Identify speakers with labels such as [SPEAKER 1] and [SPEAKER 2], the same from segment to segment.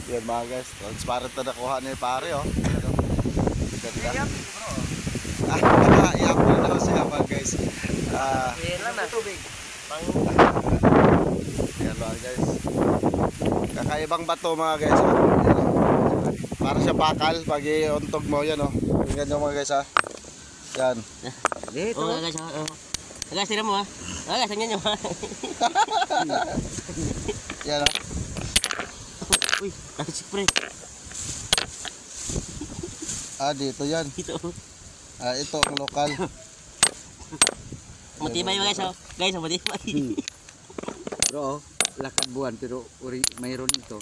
[SPEAKER 1] Yan mga guys, transparent na nakuha ni pare oh. Ano? Ganda. Iapon na siya mga guys.
[SPEAKER 2] Yan lang na. Tubig.
[SPEAKER 1] Yan mga guys. Kakaibang bato mga guys. Oh. Yan, oh. Para siya bakal pag iuntog mo yan oh. Tingnan nyo mga guys ha. Yan.
[SPEAKER 2] Dito. Oh guys, guys, tira mo ha. Guys, tingnan nyo ha.
[SPEAKER 1] Yan oh.
[SPEAKER 2] Uy, sipre.
[SPEAKER 1] Dito yan.
[SPEAKER 2] Dito.
[SPEAKER 1] Ito ang lokal.
[SPEAKER 2] Matibay guys oh. Guys, matibay.
[SPEAKER 3] Bro, lakad buwan pero mayroon ito.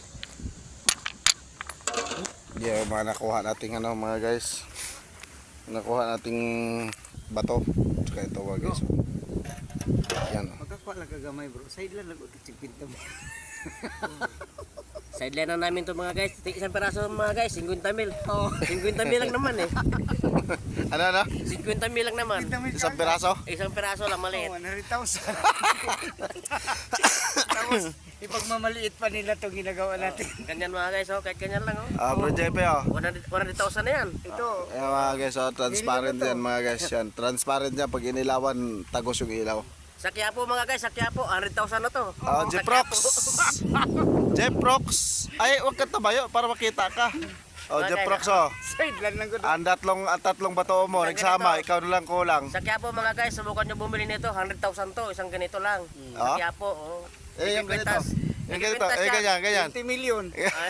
[SPEAKER 1] Yan mga nakuha nating ano mga guys. Nakuha nating bato. Tsaka ito mga guys. Yan oh.
[SPEAKER 3] Magkakuha lang kagamay bro. Side lang lagot chipinta mo.
[SPEAKER 2] Sideline na namin to mga guys. Isang peraso mga guys, 50 mil. Oh, 50 mil lang naman eh.
[SPEAKER 1] Ano?
[SPEAKER 2] 50 mil lang naman.
[SPEAKER 1] Isang piraso?
[SPEAKER 2] Isang peraso lang maliit.
[SPEAKER 3] 100,000. Tapos ipagmamaliit pa nila itong ginagawa natin.
[SPEAKER 2] Ganyan mga guys, oh, kahit ganyan lang oh.
[SPEAKER 1] Bro JP oh.
[SPEAKER 2] 100,000 na yan.
[SPEAKER 3] Ito.
[SPEAKER 1] Ayan mga guys, oh, transparent yan mga guys. Yan. Transparent yan pag inilawan, tagos yung ilaw.
[SPEAKER 2] Sa Quiapo mga guys, sa Quiapo, 100,000 na to.
[SPEAKER 1] Jeprox! Jeprox! Ay, huwag ka tabayo para makita ka. Jeprox oh.
[SPEAKER 3] Side lang lang ko.
[SPEAKER 1] Ang tatlong bato mo, nagsama, ikaw na lang kulang.
[SPEAKER 2] Sa Quiapo mga guys, subukan nyo bumili nito, 100,000 to, isang ganito lang. Sa Quiapo, oh.
[SPEAKER 1] Yung ganito. Yung ganito, ganyan.
[SPEAKER 3] 20 million.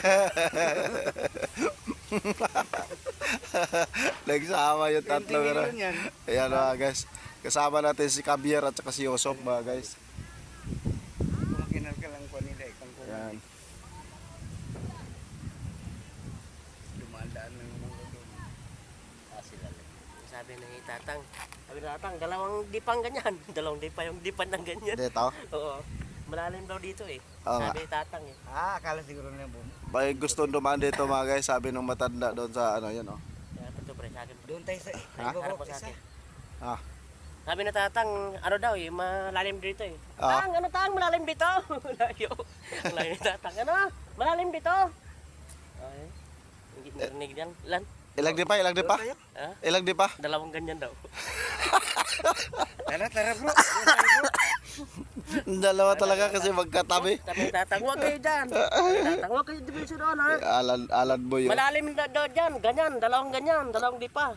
[SPEAKER 1] Nagsama yung
[SPEAKER 3] 20
[SPEAKER 1] tatlo.
[SPEAKER 3] million yan.
[SPEAKER 1] Ayan mga guys. Kasama natin si Javier at saka si Yosop mga guys.
[SPEAKER 3] Kumakinar ka lang po nila ikang ko.
[SPEAKER 1] Ayan.
[SPEAKER 3] Dumadaan lang naman ko doon.
[SPEAKER 2] Sila lang. Sabi ng itatang, dalawang dipang ganyan. Dalawang dipa yung dipan ng ganyan.
[SPEAKER 1] Dito.
[SPEAKER 2] Oo. Malalim daw dito eh.
[SPEAKER 1] Oo nga.
[SPEAKER 2] Sabi tatang eh.
[SPEAKER 3] Akala siguro na boom.
[SPEAKER 1] May gusto dumaan dito mga guys. Sabi nung matanda doon sa ano yan oh.
[SPEAKER 2] Kaya ito pre, sa akin.
[SPEAKER 3] Doon tayo sa
[SPEAKER 2] Harap po sa akin.
[SPEAKER 1] Ah.
[SPEAKER 2] Sabi na tatang, ano daw eh, malalim dito eh.
[SPEAKER 1] Ah.
[SPEAKER 2] Tang, malalim dito. Layo. Ang layo ni tatang, ano? Malalim dito. Ay, hindi narinig yan. Lan?
[SPEAKER 1] Ilang di pa?
[SPEAKER 2] Ha?
[SPEAKER 1] Ilang di pa?
[SPEAKER 2] Dalawang ganyan daw.
[SPEAKER 3] Tara bro.
[SPEAKER 1] Dalawa talaga kasi magkatabi.
[SPEAKER 2] Sabi ni tatang, huwag kayo dyan. Tatang, huwag kayo division doon ha.
[SPEAKER 1] Alan mo yun.
[SPEAKER 2] Malalim daw dyan, ganyan, dalawang di pa.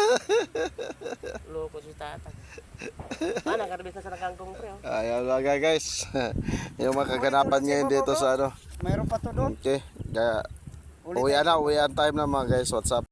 [SPEAKER 2] Loko si tatang. Nakarbis na sa nakangkong pre. Oh.
[SPEAKER 1] Ayan mga guys. Yung mga kaganapan ngayon dito sa ano.
[SPEAKER 3] Mayroon pa to doon.
[SPEAKER 1] Okay. Kaya uwian time na mga guys. What's up?